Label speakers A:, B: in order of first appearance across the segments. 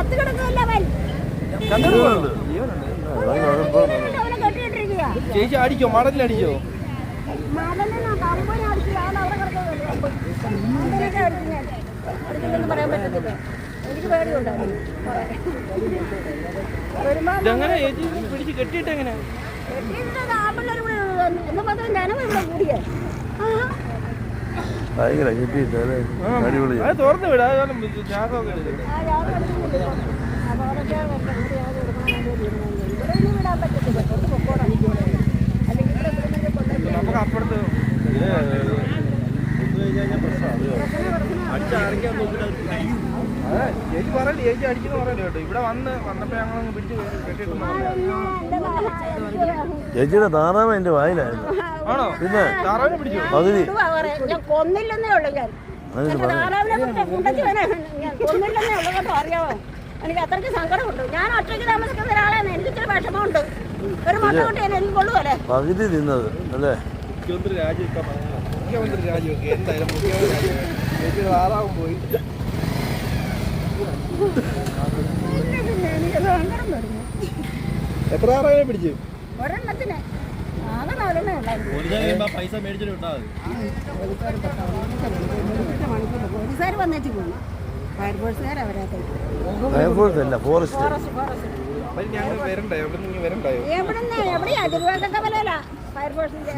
A: ചേച്ചി അടിച്ചോ? മടലിലടിച്ചോ? ഇതെങ്ങനെ ചേച്ചി പിടിച്ച് കെട്ടിയിട്ട് എങ്ങനെ? തുറന്നു വിടാ. നമുക്ക് അപ്പുറത്ത് ചേച്ചി പറയല്ലേ, ചേച്ചി അടിക്കുന്ന പറയല്ലോ കേട്ടോ. ഇവിടെ വന്നപ്പോ ഞങ്ങളങ്ങ് പിടിച്ച് കെട്ടിയിട്ടുണ്ട്.
B: ചേച്ചിയുടെ താറാവ് എന്റെ വായിലായിരുന്നു.
A: ആണോ? പിന്നെ താറാവിനെ പിടിച്ചു
B: പകുതി
C: കൊന്നില്ലെന്നേ ഉള്ളൂ. ഞാൻ അറിയാമോ? എനിക്ക് അത്രയ്ക്ക് സങ്കടമുണ്ട്. ഞാൻ ഒറ്റയ്ക്ക് താമസിക്കുന്ന ഒരാളാണ്. എനിക്ക് ഇച്ചിരി വിഷമമുണ്ട്. ഒരു മുട്ട കൊണ്ട് എനിക്ക് കൊള്ളുമല്ലേ?
B: പകുതി തിന്നത് അല്ലേ?
A: മുഖ്യമന്ത്രി രാജിവെക്കുക എന്തായാലും. മുഖ്യമന്ത്രി താറാവും പോയി.
C: എനിക്ക് സങ്കടം വരുന്നു.
A: എത്ര താറാവിനെ പിടിച്ചു?
C: ഒരെണ്ണത്തിന് ആകെ 4 ഉണ്ടായിരുന്നു.
A: പൈസ മേടിച്ചിട്ടുണ്ടാവും.
C: പോലീസുകാർ വന്നിട്ട് പോയി. ഫയർഫോഴ്സുകാർ
B: ഫയർഫോഴ്സ് അല്ല, ഫോറസ്റ്റ്.
C: എവിടെയാ തിരുവനന്തപുരത്തല്ല ഫയർഫോഴ്സിന്റെ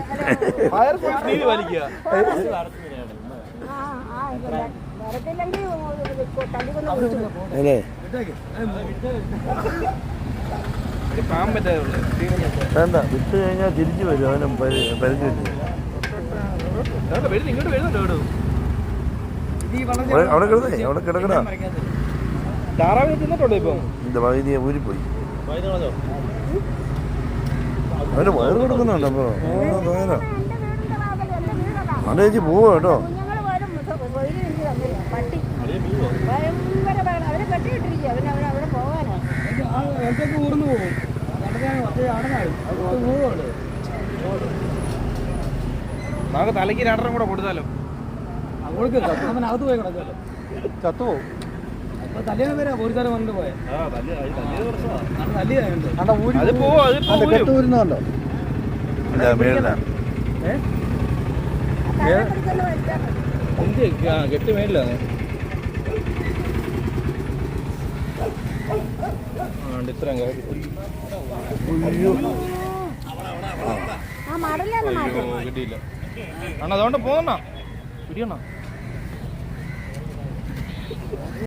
C: വരത്തില്ലെങ്കിൽ
B: വേണ്ട, വിട്ട് കഴിഞ്ഞാൽ തിരിച്ചു വരും. അവനും പരിധി അവിടെ കിടന്നേ, അവിടെ കിടക്കണ
A: താറാവിനെ തിന്നിട്ടുണ്ടോ? ഇപ്പൊ
B: എന്റെ വൈദ്യ ഊരിപ്പോയി. അവന്റെ വയറ് കൊടുക്കുന്നുണ്ട്. അപ്പൊ അവിടെ ചേച്ചി പോവാ കേട്ടോ.
A: ഊർന്നു പോകും. നമുക്ക് തലയ്ക്ക് 2 കൂടെ കൊടുത്താലോ? അവനകത്ത് പോയി കിടക്കാലോ. ചത്തുപോകും. തലേന്ന് വരാ പോലീസുകാരെ വന്നിട്ട് പോയെ. കെട്ട് മേളിലാണ്. ഇത്രയും കിട്ടിയില്ല. അതുകൊണ്ട് പോകണ പിടിയണ.